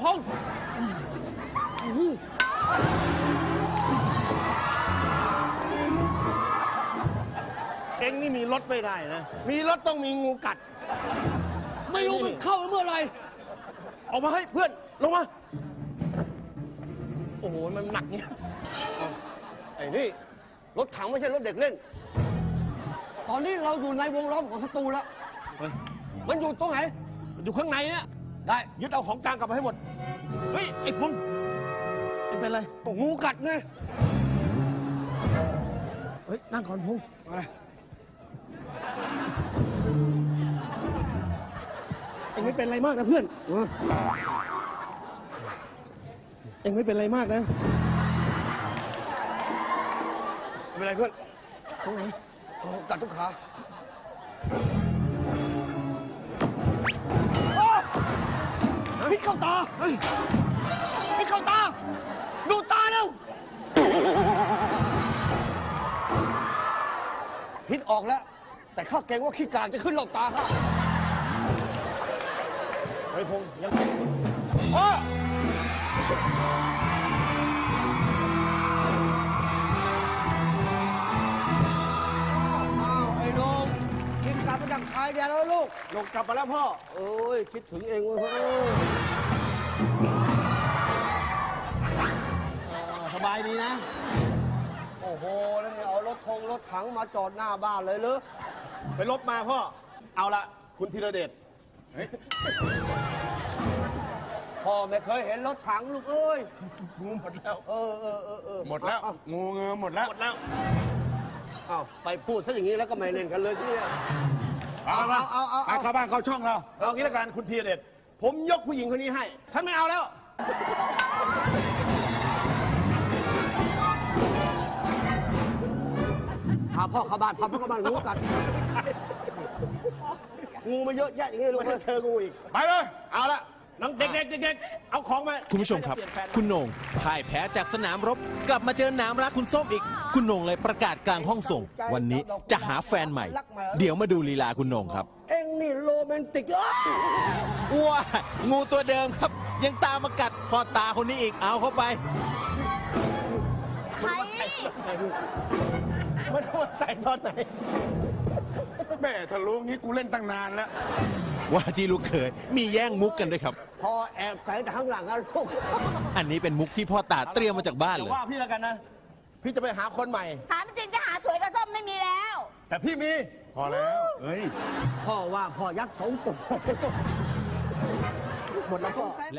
งเอ็งนี่มีรถไม่ได้นะมีรถต้องมีงูกัดไม่รู้มันเข้าเมื่อไหร่ออกมาให้เพื่อนลงมาโอ้โหมันหนักเนี่ยไอ้นี่รถถังไม่ใช่รถเด็กเล่นตอนนี้เราอยู่ในวงล้อมของศัตรูแล้วมันอยู่ตรงไหนอยู่ข้างในเนี่ยได้ยึดเอาของกลางกลับมาให้หมดเฮ้ยไอ้พงไอ้เป็นไรงูกัดไงเฮ้ยนั่งก่อนพงอะไรเอ็งไม่เป็นไรมากนะเพื่อนเอ็งไม่เป็นไรมากนะไม่เป็นไรเพื่อนตรงไหนกัดทุกขาพิษเข้าตาพิษเข้าตาดูตาเร็วพิษออกแล้ว แต่ข้าเกรงว่าขี้กากจะขึ้นหลบตาข้าเฮ้ยพงยังพ่อไอ้น้องกินกลับมาจากชายแดนแล้วลูกลงกลับมาแล้วพ่อโอ้ยคิดถึงเองเว้ยสบายดีนะโอ้โหแล้วเนี่ยเอารถถังมาจอดหน้าบ้านเลยเหรอไปลบมาพ่อเอาละคุณธีรเดชพ่อไม่เคยเห็นรถถังลูกเอ้ยงูหมดแล้วหมดแล้วงูเงือหมดแล้วอ้าวไปพูดซะอย่างนี้แล้วก็ไม่เล่นกันเลยที่นี่เอาเข้าบ้านเข้าช่องเราเอางี้ละกันคุณธีรเดชผมยกผู้หญิงคนนี้ให้ฉันไม่เอาแล้วพาพ่อเข้าบ้านงูกัดงูมาเยอะแยะอย่างนี้ลูกไม่เจองูอีกไปเลยเอาละน้องเด็กๆเอาของมาคุณผู้ชมครับคุณโหน่งพ่ายแพ้จากสนามรบกลับมาเจอหนามรักคุณส้มอีกคุณโหน่งเลยประกาศกลางห้องส่งวันนี้จะหาแฟนใหม่เดี๋ยวมาดูลีลาคุณโหน่งครับเอ็งนี่โรแมนติกว้างูตัวเดิมครับยังตามมากัดพ่อตาคนนี้อีกเอาเข้าไปใครมันโดนใส่ตอนไหนแม่ถ้ารู้งี้กูเล่นตั้งนานแล้วว่าที่ลูกเขยมีแย่งมุกกันด้วยครับพอแอบใส่แต่ข้างหลังนะลูกอันนี้เป็นมุกที่พ่อตาเตรียมมาจากบ้านเลยว่าพี่แล้วกันนะพี่จะไปหาคนใหม่ถามจริงจะหาสวยกับส้มไม่มีแล้วแต่พี่มีพอแล้วเฮ้ยพ่อว่าพ่อยักษ์สองตัวหมดแล้วพ่อ